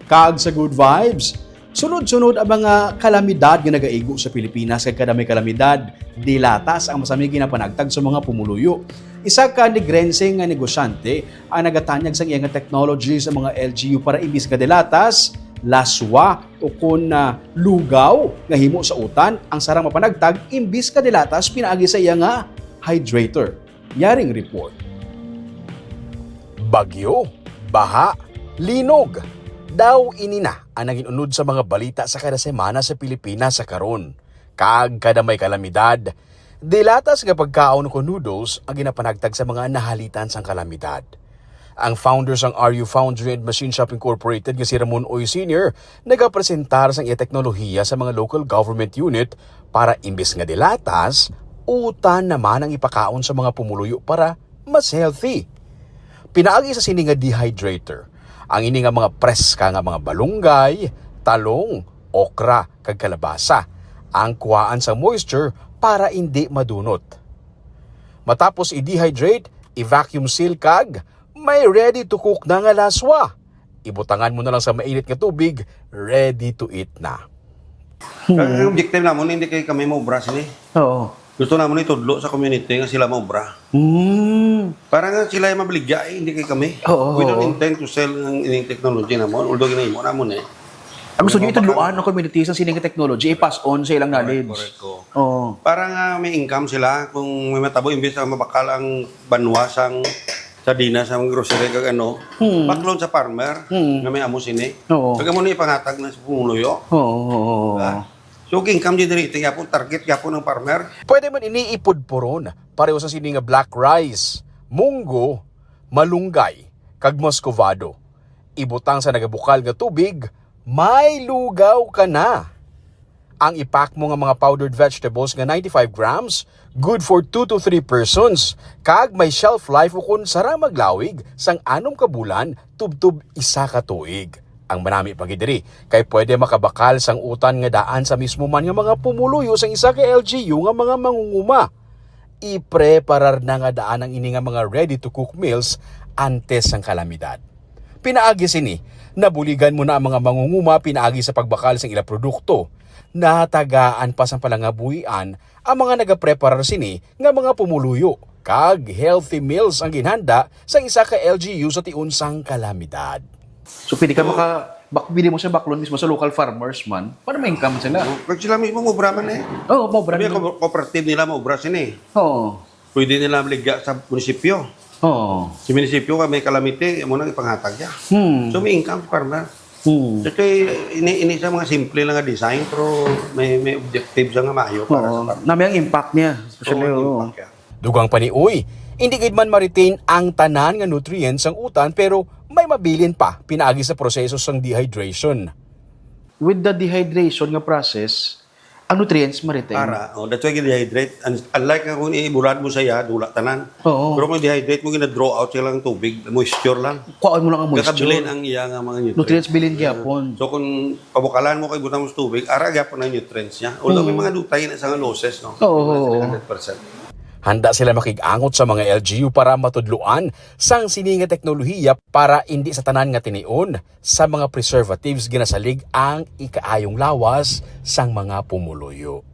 Kaag sa good vibes. Sunod-sunod ang mga kalamidad nga nagaigo sa Pilipinas kay kada may kalamidad, dilatas ang masami ginapanagtag sa mga pumuluyo. Isa ka negrenseng nga negosyante ang nagatanyag sa iyang technology sa mga LGU para imbis ka dilatas, laswa o kun lugaw nga himo sa utan ang sarang mapanagtag imbis ka dilatas pinaagi sa iya nga hydrator. Yaring report. Bagyo, baha, linog. Daw inina ang naging unod sa mga balita sa kada semana sa Pilipinas sa karon. Kaag kada may kalamidad, dilatas nga pagkaon ko noodles ang ginapanagtag sa mga nahalitan sang kalamidad. Ang founder sang RU Foundry and Machine Shop Incorporated nga si Ramon Oy Sr. nagapresentar sang iya teknolohiya sa mga local government unit para imbis nga dilatas, utan naman ang ipakaon sa mga pumuluyo para mas healthy. Pinaagi sa sini nga dehydrator. Ang ini nga mga preska nga mga balunggay, talong, okra, kag kalabasa. Ang kuhaan sa moisture para hindi madunot. Matapos i-dehydrate, i-vacuum seal kag, may ready to cook na nga laswa. Ibutangan mo na lang sa mainit nga tubig, ready to eat na. Ang objective naman, hindi kayo kami maubra sila. Oo. Gusto naman itudlo sa community nga sila maubra. Para nga sila yung mabaligya hindi kayo kami. Oo. We don't intend to sell ng ining technology naman, although ginahimo naman eh. Ang gusto nyo ituluan ng community sa sining technology, i-pass on sa ilang knowledge. Correct ko. Oo. Para nga may income sila, kung may matabo, imbes na mabakal ang banwas ang sardinas sa grocery kag ano, baklon sa farmer nga may amo sini. Oo. Kag mo ni ipangatag na sa pumuluyo. Oo. So income di diri yapon target yapon ng farmer. Pwede man iniipod poron, pareho sa sini nga black rice, munggo, malunggay, kag moscovado. Ibutang sa nagabukal nga tubig, may lugaw ka na. Ang ipack mo nga mga powdered vegetables nga 95 grams, good for 2 to 3 persons. Kag may shelf life ukon sara maglawig sang 6 ka bulan tubtub 1 ka tuig. Ang manami pagidiri kay pwede makabakal sang utan nga daan sa mismo man nga mga pumuluyo sang isa ka LGU nga mga mangunguma. I-preparar na nga daan ang ini nga mga ready to cook meals antes sang kalamidad. Pinaagi sini, nabuligan mo na ang mga mangunguma pinaagi sa pagbakal sang ila produkto. Natagaan pa sang palangabuhian ang mga nagapreparar sini nga mga pumuluyo. Kag healthy meals ang ginhanda sa isa ka LGU sa tiunsang kalamidad. So pwede ka bili mo sa baklon mismo sa local farmers man, para may income sila. Kag sila mismo maubra man eh. Oo, maubra Sabi, nila. cooperative nila maubra sini. Oo. Pwede nila maligya sa munisipyo. Oo. Si munisipyo ka may kalamite, mo nang ipanghatag niya. So may income farmer. So ini sa mga simple lang nga design pero may objective siya nga maayo para sa farmer. Nami ang impact niya. Especially, Oo, oo. impact yan. Dugang paniuy, hindi gid man ma-retain ang tanan nga nutrients ang utan pero may mabilin pa pinaagi sa proseso sang dehydration. With the dehydration nga process, ang nutrients ma-retain. That's why dehydrate. Unlike nga kung iburad mo saya, dula tanan. Oo. Pero kung dehydrate mo, gina-draw out sila ng tubig, moisture lang. Kuhaan mo lang ang moisture. Kakabilin ang iya nga mga Nutrients bilin gyapon. So kung pabukalan mo kay butang mo sa tubig, ara gyapon ang nutrients niya. Although may mga dutay na sa losses, no? Oo. 100%. Handa sila makigangot sa mga LGU para matudluan sang sininga teknolohiya para hindi sa tanan nga tinion sa mga preservatives ginasalig ang ikaayong lawas sang mga pumuluyo.